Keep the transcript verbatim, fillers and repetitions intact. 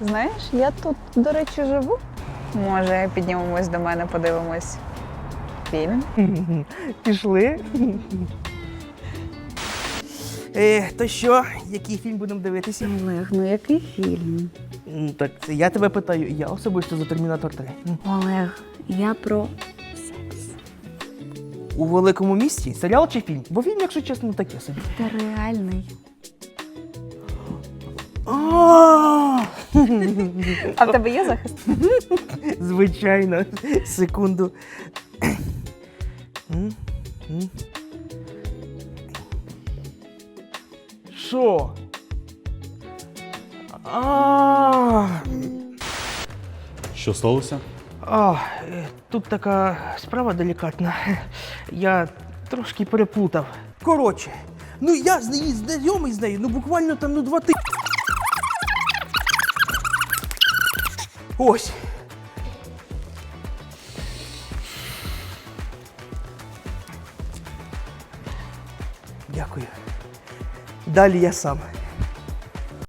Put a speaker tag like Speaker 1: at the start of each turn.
Speaker 1: Знаєш, я тут, до речі, живу. Може, піднімемось до мене, подивимось фільм?
Speaker 2: Пішли. Е, то що, який фільм будемо дивитися?
Speaker 1: Олег, ну який фільм?
Speaker 2: М, Так, це я тебе питаю, я особисто за Термінатор три. М.
Speaker 1: Олег, я про секс.
Speaker 2: У великому місті? Серіал чи фільм? Бо фільм, якщо чесно, таке собі.
Speaker 1: Та реальний.
Speaker 2: А,
Speaker 1: А в тебе є захист?
Speaker 2: Звичайно. Секунду. М, м. Що? А,
Speaker 3: Що сталося?
Speaker 2: а, е, тут така справа делікатна. Я трошки переплутав. Коротше, ну я з неї знайомий з нею, ну буквально там ну два ти. Ось. Дякую. Далі я сам.